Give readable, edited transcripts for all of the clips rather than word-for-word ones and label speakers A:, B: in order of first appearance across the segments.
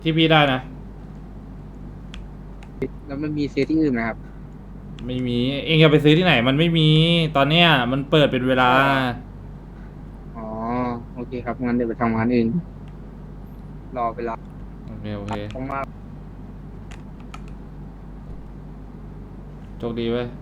A: ที่พี่ได้นะ
B: แล้วมันมีซื้อที่อื่นไหมครับ
A: ไม่มีเองจะไปซื้อที่ไหนมันไม่มีตอนเนี้ยมันเปิดเป็นเวลา
B: อ๋อโอเคครับงั้นเดี๋ยวไปทำงานอื่นรอเวลา
A: โอเคโอเค
B: ผมมาก
A: โชคดีเว้ย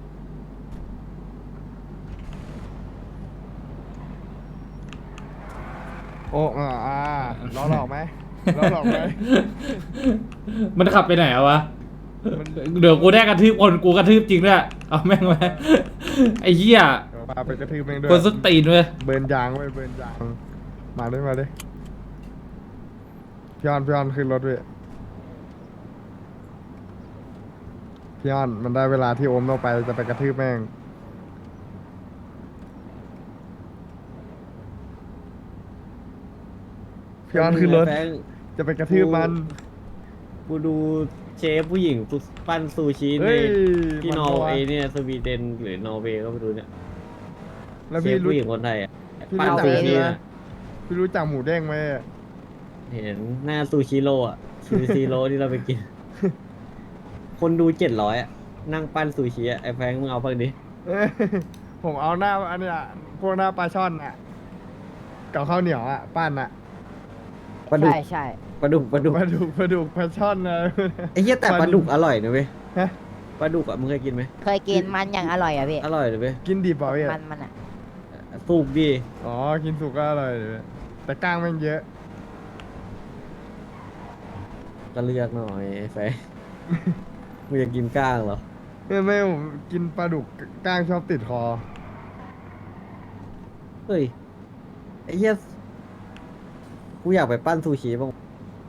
C: โอ้ล้อหลอกไหมล้อหลอกไหม
A: มันขับไปไหนอะวะ
C: มัน
A: เดี๋ยวกูได้กระทืบคนกูกระทืบจริงด้วยเอาแม่งไว้ไอ้เหี้ย
C: พาไปกระทืบแม่งด้วย
A: คนสุดตีนเว้ย
C: เบิร์นยางไว้เบิร์นยางมาด้วยมาด้วยพี่ออนขึ้นรถด้วยพี่ออนมันได้เวลาที่โอมต้องไปจะไปกระทืบแม่งพี่ออนขึ้นรถ
D: แฟง
C: จะไปกระทืบมัน
D: กูดูเชฟผู้หญิงปั้นซูชิใน
C: เฮ้ย
D: ที่
C: มัน
D: นอร์
C: ปะวะ
D: เวย์เนี่ยสวีเดนหรือนอร์เวย์ก็ไม่รู้เนี่ย
C: แล้ว
D: เช
C: พี่
D: ฟ
C: รู้
D: ผู้หญิงคนไทยอ่ะ
C: พี่
D: ปั้น
C: รู้จัก
D: ซู
C: ไหม
D: ชิ
C: นะ
D: อะ
C: พี่รู้จักหมูเด้งไหม
D: เห็นหน้าซูชิโร่อะซูชิโร่ที่เราไปกิน คนดู700อ่ะนั่งปั้นซูชิอ่ะไอ้แฟงมึงเอาบ้างดิ
C: เอ้ยผมเอาหน้าอันเนี้ยพวกหน้าปลาช่อนอ่ะกับข้าวเหนียวอ่ะปั้นอ่ะ
D: ปลาดุก
E: ใช่ใช่
D: ปลาดุก
C: ปลาดุกปลาช่อนนะ
D: ไอ้เหี้ยแต่ปลาดุกอร่อยนะเว้ย
C: ฮะ
D: ปลาดุกอ่ะมึงเคยกินไหม
E: เคยกินมันอย่างอร่อยอ่ะพี่
D: อร่อยเลยเว้ย
C: กินดิบเปล่าพี่
E: มันอ่ะ
D: สุกดี
C: อ๋อกินสุกก็อร่อยเลยแต่กล้างแม่งเยอะ
D: ก็เลือกหน่อยไอ้แฟง มึงอยากกินก้างเหรอ
C: ไม่ผมกินปลาดุกกล้างชอบติดคอ
D: เฮ้ยไอ้เหี้ยกูอยากไปปั้นซูชิบ้าง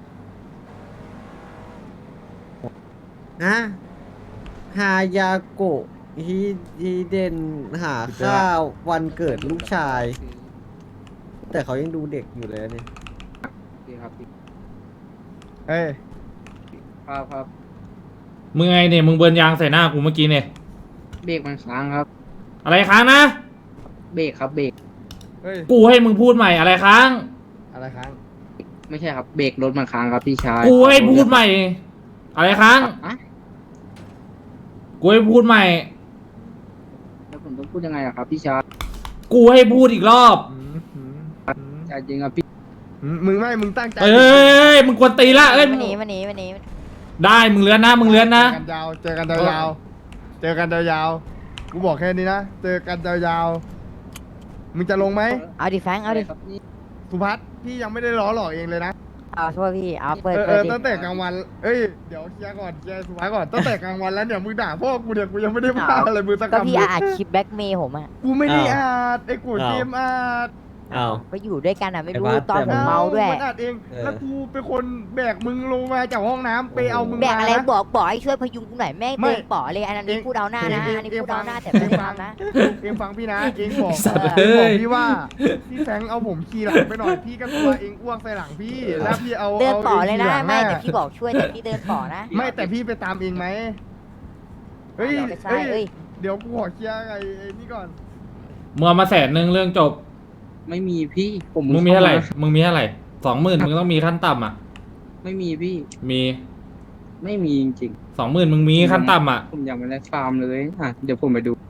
D: นะฮายาโกะฮิเดนหาข้าววันเกิดลูกชาย แต่เขายังดูเด็กอยู่เลยนะเนี่ย
B: โอเคครับพี่
C: เอ้ย
B: ครับ
A: มึงไงเนี่ยมึงเบิร์นยางใส่หน้ากูเมื่อกี้เนี่ย
B: เบรกมันค้างครับ
A: อะไรค้างนะ
B: เบรกครับเบรก
C: เฮ้ย
A: กูให้มึงพูดใหม่อะไรค้าง
C: อะไรค้าง
B: ไม่ใช่ครับเบรกรถมันค้างครับพี่ชาย
A: กูให้พูดใหม่ อะไรค้าง
B: อะ
A: กูให้พูดใหม่
B: แล้วผมต้องพูดยังไงอะครับพี่ชาย
A: กูให้พูดอีกรอบ
B: ใจจริงครับพี่
C: มึงตั้งใจ
A: เอ้ยมึงกวนตีละเอ้ย
E: มันหนีมันหนีมันหนี
A: ได้มึงเลื้อนนะมึงเลื้อนนะ
C: เจอกันยาวๆเจอกันยาวๆกูบอกแค่นี้นะเจอกันยาวๆมึงจะลงไหม
E: เอาดิแฟงเอาดิ
B: ครับนี่
C: สุพัฒน์พี่ยังไม่ได้ล้อหลอกเองเลยนะ
E: เอาโทษพี่เอาเปิด
C: เอ
E: เปิด
C: อ
E: ดิ
C: ตั้งแต่กลางวันเอ้ยเดี๋ยวเคลียร์ก่อนเคลียร์สุพัฒน์ก่อนตั้งแต่กลางวันแล้วเนี่ยมึงด่าพ่อกูเนี่ยกูยังไม่ได้ว่าอะไรมึงสัก
E: ก็
C: คำ
E: พี่
C: เลย
E: อาจคลิปแบ็กเมย์ผมอ่ะ
C: กูไม่ได้อ่านไอ้กูเกมอ่าน
D: อ้าว
E: ไปอยู่ด้วยกันอ่ะไม่รู้
D: ไอ้บาส
E: ตอนผมเมาด้วย
C: มันอัดเอง
D: เออ
C: แล้วกูเป็นคนแบกมึงลงมาจากห้องน้ำไปเอามึง
E: แบก
C: มา
E: อะไร
C: นะ
E: บอกให้ช่วยพยุงกูหน่อยแม่ง
C: ไม่
E: เดินป๋อเลยอันนั้น
C: เอง
E: พูดเอาหน้านะ
C: เอง
E: อันนี้
C: เอง
E: พูดเอาหน้า
C: ฟัง
E: แต่ไม่ได้ทำนะ
C: เองฟังพี่นะเองบอก
A: สัตว์
C: เองบอก
A: เอ้ย
C: พี่ว่าพี่แฟรงค์เอาผมขี่หลังไปหน่อยพี่ก็กลัวเองอ้วกใส่หลังพี่แล้วพี่เอา
E: เดินป๋อเลยนะ
C: าอง
E: ไม่
C: ขี่ห
E: แต่
C: ง
E: พี่บอกช่วยแต่พี่เดินป๋อนะ
C: ไม่แต่พี่ไปตามเองไหมเฮ้ย
E: ไม่ใช่เอ้ย
C: เดี๋ยวกูขอเคลียร์ไอ้นี่ก่อน
A: มึงเอามา100,000เรื่องจบ
B: ไม่มีพี่ผม
A: มึงมีเท่าไหร่มึงมีเท่าไหร่20,000มึงต้องมีขั้นต่ำอ่ะ
B: ไม่มีพี่
A: มี
B: ไม่มีจริง
A: 20,000มึงมีขั้นต่ำอ่ะ
B: ๆผมยังไม่ได้ฟาร์มเลยอ่ะเดี๋ยวผมไปดู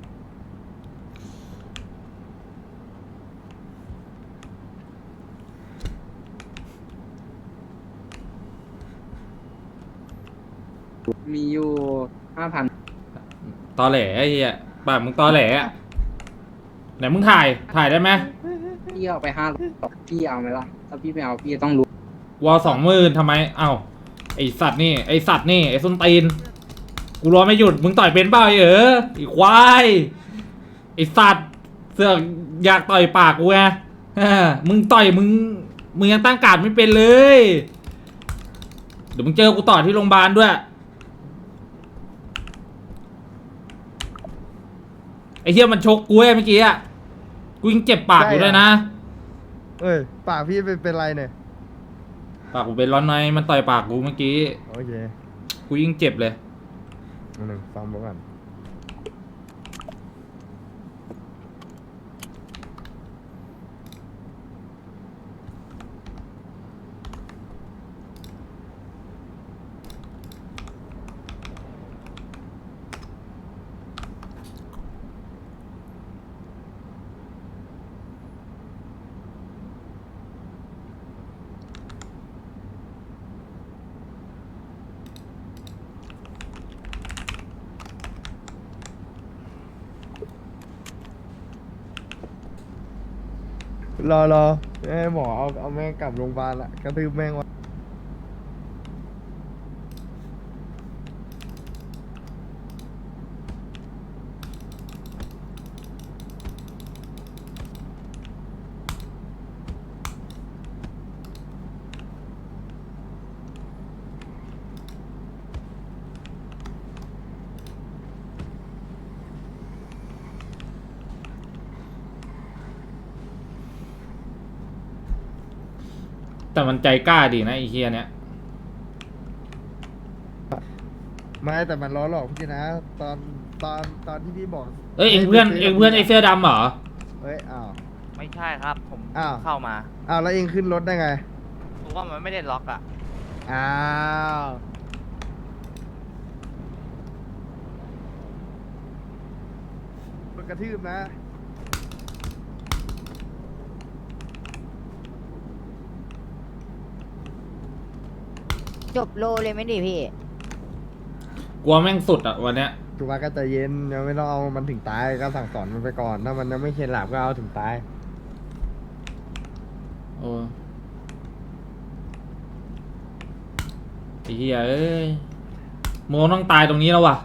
B: มีอยู่5,000
A: ตอแหลไอ้เหี้ยปากมึงตอแหลอะไหนมึงถ่ายได้ไหม
B: พี่เอาไป500พี่เอาไหมล่ะถ้าพี่ไม่เอาพี่ต้องรู้
A: วอล20,000ทำไมเอ้าไอสัตว์นี่ไอสัตว์นี่ไอส้นตีนกูรอไม่หยุดมึงต่อยเป็นเปล่าไอควายไอสัตว์เสือกอยากต่อยปากกูไงมึงต่อยมึงยังตั้งการดไม่เป็นเลยเดี๋ยวมึงเจอกูต่อที่โรงพยาบาลด้วยไอเหี้ยมันชกกูเมื่อกี้อะกูยังเจ็บปากอยู่ด้วยนะ
C: เอ้ยปากพี่เป็นไรเนี่ย
A: ปากกูเป็นร้อนในมันต่อยปากกูเมื่อกี้
C: โอเค
A: กูยิ่งเจ็บเลย
C: หนึ่งฟังก่อนรอให้หมอเอาแม่งกลับโรงพยาบาลละกระทืบแม่งวะ
A: แต่มันใจกล้าดีนะไอ้เฮียเนี่ย
C: ไม่แต่มันล้อหลอกพี่นะตอนที่พี่บอก
A: เอ้ยเอ็งเพื่อนไอ้เสื้อดำเหรอ
C: เอ้ยอ้าว
F: ไม่ใช่ครับ ผม
C: อ้าว
F: เข้ามา
C: อ้าวแล้วเองขึ้นรถได้ไง
F: เพราะว่ามันไม่ได้ล็อกอ่ะ
C: อ้าวโดนกระทืบนะ
E: จบโลเลยไหมดิพี่
A: กลัวแม่งสุดอ่ะวันเนี้ย
C: ถูกว่าก็ใจเย็นยังไม่ต้องเอามันถึงตายก็สั่งสอนมันไปก่อน ถ้ามันยังไม่เข็ดหลาบก็เอาถึงตาย
A: โอ้ไอ้เฮียเอ้ยโมต้องตายตรงนี้แล้ววะ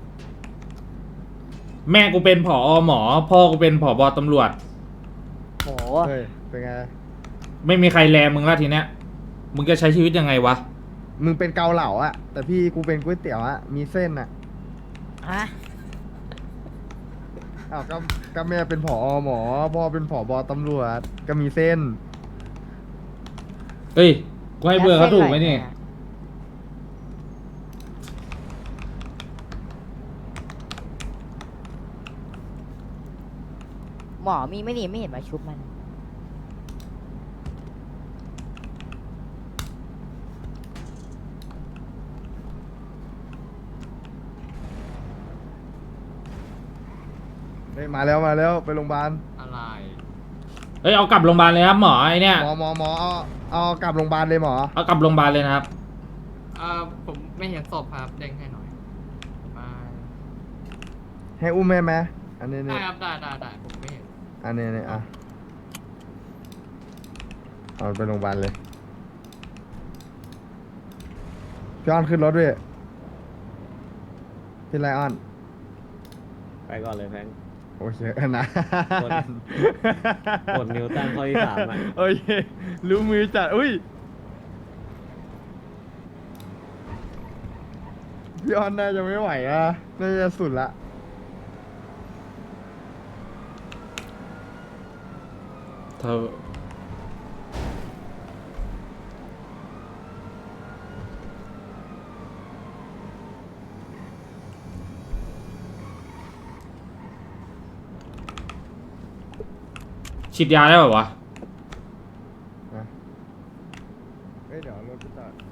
A: แม่กูเป็นผอหมอ พ่อกูเป็นผบตำรวจ
E: โห
C: เฮ้ย เป็นไง
A: ไม่มีใครแลมึงแล้วทีเนี้ย มึงจะใช้ชีวิตยังไงวะ
C: มึงเป็นเกาเหลาอะแต่พี่กูเป็นก๋วยเตี๋ยวอะมีเส้นอะ
E: ฮะ
C: อ้าวก็แม่เป็นผอหมอ พ่อเป็นผบตำรวจ ก็มีเส้น
A: เฮ้ย กูให้เบอร์เขาถูกไหมนี่
E: หมอมีไม่ดีไม่เห็นมาชุบมัน
C: เฮ้ยมาแล้วไปโรงพยาบาล
F: อะไร
A: เฮ้ย เอากลับโรงพยาบาลเลยครับหมอไอเนี่ย
C: หมอเอากลับโรงพยาบาลเลยหมอ
A: เอากลับโรงพยาบาลเลยนะครับ
F: ผมไม่เห็นศพครับ เด้งให้หน่อย มา
C: ให้อุ้มแม่ไหมอันนี้
F: ได้
C: นี่
F: ครับ ได้ผมไม่เห็น
C: อันนี้นี่อ่ะเอาไปโรงพยาบาลเลยพี่อ้อนขึ้นรถด้วยพี่ไลออน
D: ไปก่อนเลยแพง
C: โอเคนะ
D: กดนิ้วตั้งข้อที่3อ่ะ
C: โอเครู้มือจัดอุ้ยพี่อ้อนน่าจะไม่ไหวอ่ะน่าจะสุดละ
A: เธอฉีดยาได้ป่าวะ
C: นะเอ้ยเดี๋ยวรถไปจอด